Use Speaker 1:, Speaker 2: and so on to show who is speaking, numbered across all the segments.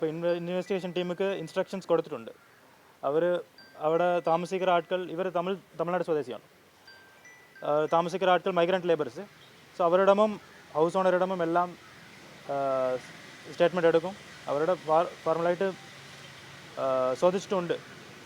Speaker 1: ഇപ്പോൾ investigation ടീമുക്ക് instructions കൊടുത്തിട്ടുണ്ട്. അവിടെ താമസിക്കുന്ന ആൾക്കാർ ഇവർ തമിഴ്നാട് സ്വദേശിയാണ്. താമസിക്കുന്ന ആൾക്കാർ മൈഗ്രൻ്റ് ലേബേഴ്സ്. സോ അവരിടമും ഹൗസ് ഓണറിടമും എല്ലാം സ്റ്റേറ്റ്മെൻറ്റ് എടുക്കും. അവരുടെ ഫോർമലായിട്ട് ചോദിച്ചിട്ടുണ്ട്.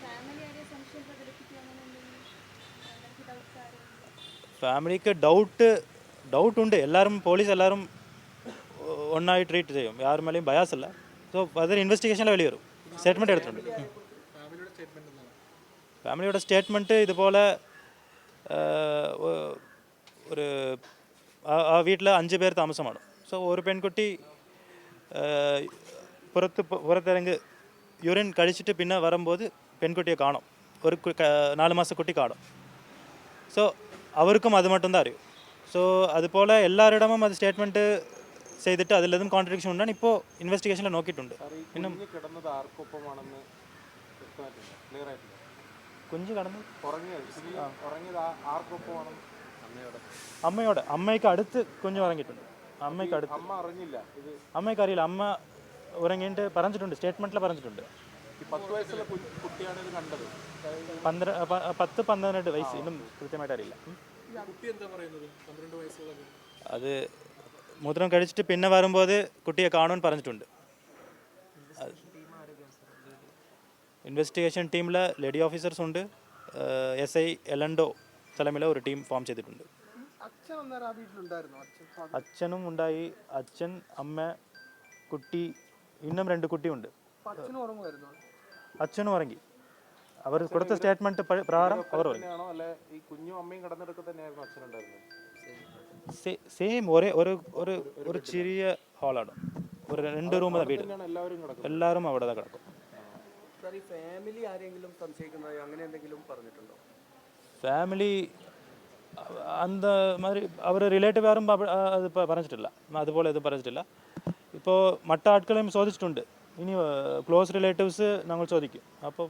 Speaker 1: ഫാമിലിക്ക് ഡൗട്ട് ഉണ്ട്. പോലീസ് എല്ലാവരും ഒന്നായി ട്രീറ്റ് ചെയ്യും. യാർ മേലെയും ബയാസല്ല. സോ അതൊരു ഇൻവെസ്റ്റിഗേഷനിൽ വെളി വരും. സ്റ്റേറ്റ്മെൻറ്റ് എടുത്തിട്ടുണ്ട്. ഫാമിലിയുടെ സ്റ്റേറ്റ്മെൻറ്റ് ഇതുപോലെ ഒരു ആ വീട്ടിൽ 5 പേർ താമസമാണ്. സോ ഒരു പെൺകുട്ടി പുറത്തിറങ്ങി യൂറിൻ കഴിച്ചിട്ട് പിന്നെ വരുമ്പോൾ പെൺകുട്ടിയെ കാണും. ഒരു 4 മാസ കുട്ടി കാണും. സോ അവർക്കും അത് മട്ടും അറിയും. സോ അതുപോലെ എല്ലാവരുടെയും അത് സ്റ്റേറ്റ്മെൻറ്റ് ചെയ്തിട്ട് അതിലതും കോൺട്രഡിക്ഷൻ ഉണ്ടാണ്. ഇപ്പോൾ ഇൻവെസ്റ്റിഗേഷനിൽ നോക്കിയിട്ടുണ്ട്. പിന്നെ കുഞ്ഞ് കടന്ന് അമ്മയ്ക്ക് അടുത്ത് കുഞ്ഞ് ഉറങ്ങിയിട്ടുണ്ട്. അമ്മയ്ക്ക് അറിയില്ല. അമ്മ ഉറങ്ങിയിട്ട് പറഞ്ഞിട്ടുണ്ട്, സ്റ്റേറ്റ്മെൻറ്റിൽ പറഞ്ഞിട്ടുണ്ട്. 10-12 വയസ്സ്. ഇന്നും കൃത്യമായിട്ട് അറിയില്ല. അത് മൂത്രം കഴിച്ചിട്ട് പിന്നെ വരുമ്പോൾ കുട്ടിയെ കാണുവാൻ പറഞ്ഞിട്ടുണ്ട്. ഇൻവെസ്റ്റിഗേഷൻ ടീമിൽ ലേഡി ഓഫീസേഴ്സ് ഉണ്ട്. SI എലൻഡോ തലമിൽ ഒരു ടീം ഫോം ചെയ്തിട്ടുണ്ട്. അച്ഛനും ഉണ്ടായി. അച്ഛൻ, അമ്മ, കുട്ടി, ഇന്നും 2 കുട്ടിയുണ്ട്. അച്ഛനും ഉറങ്ങി. അവർ കൊടുത്ത സ്റ്റേറ്റ്മെന്റ് പ്രകാരം അവർ സെയിം ഒരു ചെറിയ ഹാളാണ്. ഒരു 2 റൂം വീട്. എല്ലാവരും അവിടെ കിടക്കും. ഫാമിലി அந்த மாதிரி അവർ റിലേറ്റീവ് ആരും അത് പറഞ്ഞിട്ടില്ല. അതുപോലെ ഇത് പറഞ്ഞിട്ടില്ല. ഇപ്പോൾ മറ്റ ആൾക്കാരെയും ചോദിച്ചിട്ടുണ്ട്. ഇനി ക്ലോസ് റിലേറ്റീവ്സ് ഞങ്ങൾ ചോദിക്കും. അപ്പോൾ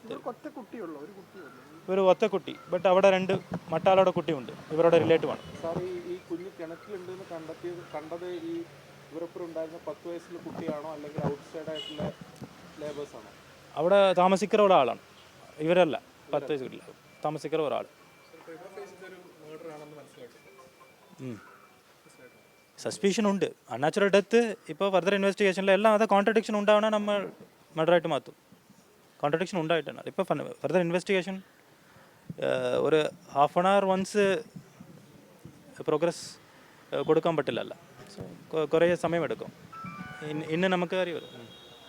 Speaker 1: ഒരു ഒറ്റ കുട്ടി. ബട്ട് അവിടെ 2 മറ്റാളുടെ കുട്ടിയുണ്ട്. ഇവരുടെ റിലേറ്റീവാണ്.
Speaker 2: ഈ കുഞ്ഞ് കിണറ്റിലുണ്ടെന്ന് കണ്ടത് ഈ ഇവരൊപ്പം ഉണ്ടായിരുന്ന 10 വയസ്സുള്ള കുട്ടിയാണോ അല്ലെങ്കിൽ ഔട്ട്സൈഡ് ആയിട്ടുള്ള ലേബേഴ്സ് ആണോ?
Speaker 1: അവിടെ താമസിക്കുന്ന ഒരാളാണ്. ഇവരല്ല. 10 വയസ്സില്ല താമസിക്കുന്ന ഒരാൾ. സസ്പീഷൻ ഉണ്ട്. Unnatural death. ഇപ്പോൾ ഫർദർ ഇൻവെസ്റ്റിഗേഷനിൽ എല്ലാം അത് കോൺട്രഡിക്ഷൻ ഉണ്ടാവണം. നമ്മൾ മർഡറായിട്ട് മാറ്റും. കോൺട്രഡിക്ഷൻ ഉണ്ടായിട്ടാണ്. ഇപ്പോൾ ഫർദർ ഇൻവെസ്റ്റിഗേഷൻ ഒരു half an hour once progress കൊടുക്കാൻ പറ്റില്ലല്ലോ. കുറേ സമയമെടുക്കും. ഇന്ന് നമുക്ക് അറിയാം.